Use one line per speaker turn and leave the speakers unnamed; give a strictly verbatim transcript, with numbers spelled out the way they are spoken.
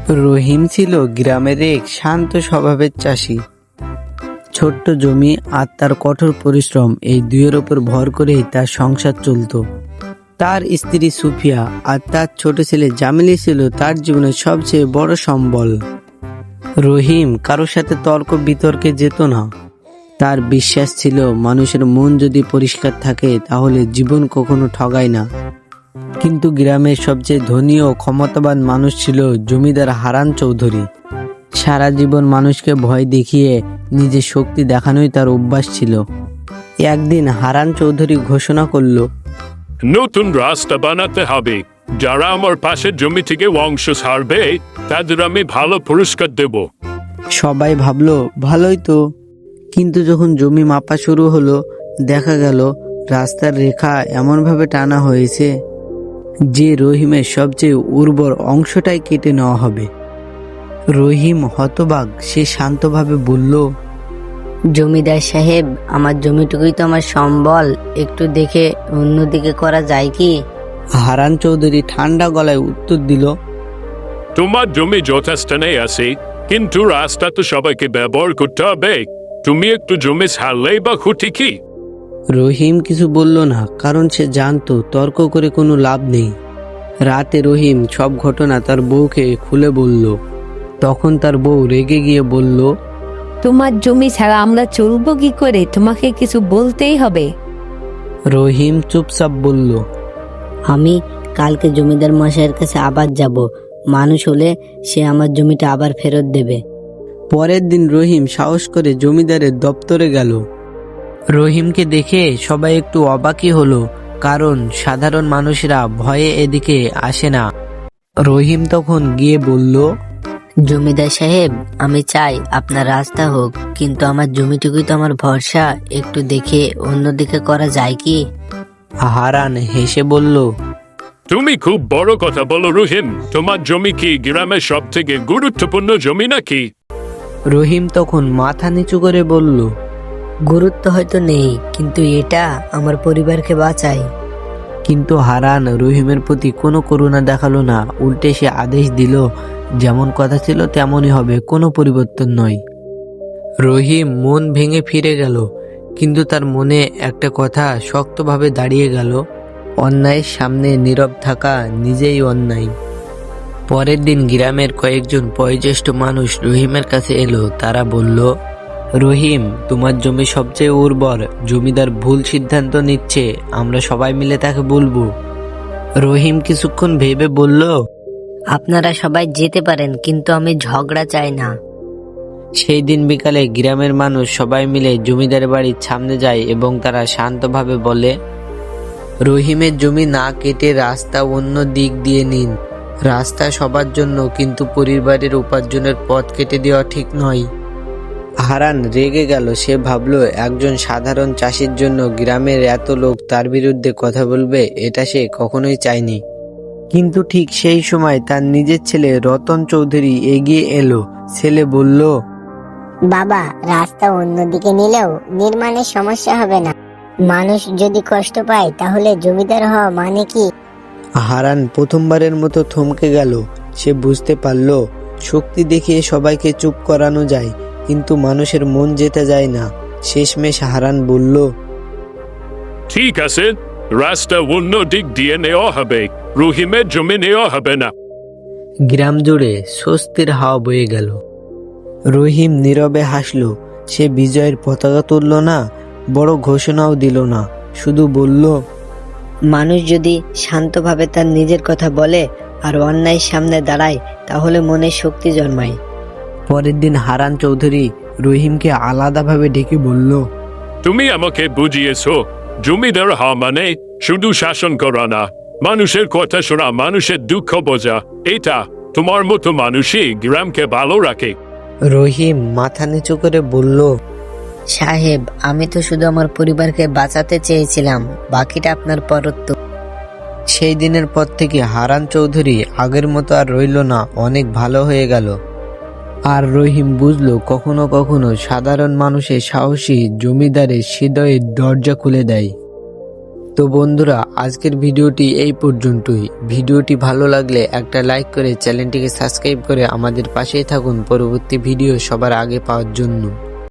রহিম ছিল গ্রামের এক শান্ত স্বভাবের চাষি। ছোট্ট জমি আর তার কঠোর পরিশ্রম এই দুইয়ের ওপর ভর করেই তার সংসার চলত। তার স্ত্রী সুফিয়া আর তার ছোট ছেলে জামিলি ছিল তার জীবনের সবচেয়ে বড় সম্বল। রহিম কারোর সাথে তর্ক বিতর্কে যেত না। তার বিশ্বাস ছিল মানুষের মন যদি পরিষ্কার থাকে তাহলে জীবন কখনো ঠগায় না। কিন্তু গ্রামের সবচেয়ে ধনী ও ক্ষমতাবান মানুষ ছিল জমিদার হারান চৌধুরী। সারা জীবন মানুষকে ভয় দেখিয়ে নিজের শক্তি দেখানোই তার অভ্যাস ছিল। একদিন হারান চৌধুরী ঘোষণা করল,
নতুন রাস্তা বানাতে হবে। যারা আমার পাশের জমি থেকে অংশ ছাড়বে তাদের আমি ভালো পুরস্কার দেব।
সবাই ভাবলো ভালোই তো, কিন্তু যখন জমি মাপা শুরু হলো দেখা গেল রাস্তার রেখা এমনভাবে টানা হয়েছে যে রহিমের সবচেয়ে উর্বর অংশটাই কেটে নেওয়া হবে। রহিম হতবাক। সে শান্তভাবে বলল,
জমিদার সাহেব, আমার জমিটুকুই তো আমার সম্বল, একটু দেখে অন্যদিকে করা যায় কি?
হারান চৌধুরী ঠান্ডা গলায় উত্তর দিল,
তোমার জমি যথাস্থানে আছে, কিন্তু রাস্তা তো সবাইকে ব্যবহার করতে হবে। তুমি একটু জমি ছাড়লেই বা ক্ষতি কি?
রহিম কিছু বলল না, কারণ সে জানতো তর্ক করে কোনো লাভ নেই। রাতে রহিম সব ঘটনা তার বউকে খুলে বলল। তখন তার বউ রেগে গিয়ে বলল,
তোমার জমি ছাড়া আমরা চলবো কি করে? তোমাকে কিছু বলতেই হবে।
রহিম চুপচাপ বলল,
আমি কালকে জমিদার মশাইয়ের কাছে আবার যাব। মানুষ হলে সে আমার জমিটা আবার ফেরত দেবে।
পরের দিন রহিম সাহস করে জমিদারের দপ্তরে গেল। রহিমকে দেখে সবাই একটু অবাকই হলো, কারণ সাধারণ মানুষরা ভয়ে এদিকে আসে না। রহিম তখন গিয়ে বলল,
জমিদার সাহেব, আমি চাই আপনার রাস্তা হোক, কিন্তু আমার জমিটুকুই তো আমার ভরসা, একটু দেখে অন্যদিকে করা যায় কি?
হারান হেসে বলল,
তুমি খুব বড় কথা বলো রহিম। তোমার জমি কি গ্রামের সব থেকে গুরুত্বপূর্ণ জমি নাকি?
রহিম তখন মাথা নিচু করে বলল,
গুরুত্ব হয়তো নেই, কিন্তু এটা আমার পরিবারকে বাঁচায়।
কিন্তু হারান রহিমের প্রতি কোনো করুণা দেখালো না। উল্টে সে আদেশ দিল, যেমন কথা ছিল তেমনই হবে, কোনো পরিবর্তন নয়। রহিম মন ভেঙে ফিরে গেল, কিন্তু তার মনে একটা কথা শক্তভাবে দাঁড়িয়ে গেল, অন্যায়ের সামনে নীরব থাকা নিজেই অন্যায়। পরের দিন গ্রামের কয়েকজন বয়োজ্যেষ্ঠ মানুষ রহিমের কাছে এলো। তারা বলল, রহিম, তোমার জমি সবচেয়ে উর্বর, জমিদার ভুল সিদ্ধান্ত নিচ্ছে, আমরা সবাই মিলে তাকে বলবো। রহিম কিছুক্ষণ ভেবে বলল,
আপনারা সবাই যেতে পারেন, কিন্তু আমি ঝগড়া চাই না।
সেই দিন বিকালে গ্রামের মানুষ সবাই মিলে জমিদারের বাড়ির সামনে যায় এবং তারা শান্তভাবে বলে, রহিমের জমি না কেটে রাস্তা অন্য দিক দিয়ে নিন। রাস্তা সবার জন্য, কিন্তু পরিবারের উপার্জনের পথ কেটে দেওয়া ঠিক নয়। হারান রেগে গেল। সে ভাবলো, একজন সাধারণ চাষির জন্য গ্রামের এত লোক তার বিরুদ্ধে কথা বলবে, এটা সে কখনোই চায়নি। কিন্তু ঠিক সেই সময় তার নিজের ছেলে রতন চৌধুরী এগিয়ে এলো। ছেলে বলল,
বাবা, রাস্তা অন্যদিকে নিলেও নির্মাণের সমস্যা হবে না। মানুষ যদি কষ্ট পায় তাহলে জমিদার হওয়া মানে কি?
হারান প্রথমবারের মতো থমকে গেল। সে বুঝতে পারল, শক্তি দেখিয়ে সবাইকে চুপ করানো যায়, কিন্তু মানুষের মন যেতে যায় না। শেষমেশ হারান বলল,
ঠিক আছে, রাস্তা অন্য দিক দিয়ে নেওয়া হবে, রহিমের জমি নেওয়া হবে না।
গ্রাম জুড়ে স্বস্তির হাওয়া বয়ে গেল। রহিম নীরবে হাসল। সে বিজয়ের পতাকা তুলল না, বড় ঘোষণাও দিল না, শুধু বলল,
মানুষ যদি শান্তভাবে তার নিজের কথা বলে আর অন্যায়ের সামনে দাঁড়ায়, তাহলে মনে শক্তি জন্মায়।
পরের দিন হারান চৌধুরী রহিমকে আলাদাভাবে ডেকে বলল,
তুমি আমাকে বুঝিয়েছো, জমিদার হওয়া মানে শুধু শাসন করা না, মানুষের কথা শোনা, মানুষের দুঃখ বোঝা। এটা তোমার মতো মানুষই গ্রামকে ভালো রাখে।
রহিম মাথা নিচু করে বলল,
সাহেব, আমি তো শুধু আমার পরিবারকে বাঁচাতে চেয়েছিলাম, বাকিটা আপনার পরত্ব।
সেই দিনের পর থেকে হারান চৌধুরী আগের মতো আর রইল না, অনেক ভালো হয়ে গেল। আর রহিম বুঝলো, কখনো কখনো সাধারণ মানুষের সাহসী জমিদারের হৃদয়ের দরজা খুলে দেয়। তো বন্ধুরা, আজকের ভিডিওটি এই পর্যন্তই। ভিডিওটি ভালো লাগলে একটা লাইক করে চ্যানেলটিকে সাবস্ক্রাইব করে আমাদের পাশেই থাকুন পরবর্তী ভিডিও সবার আগে পাওয়ার জন্য।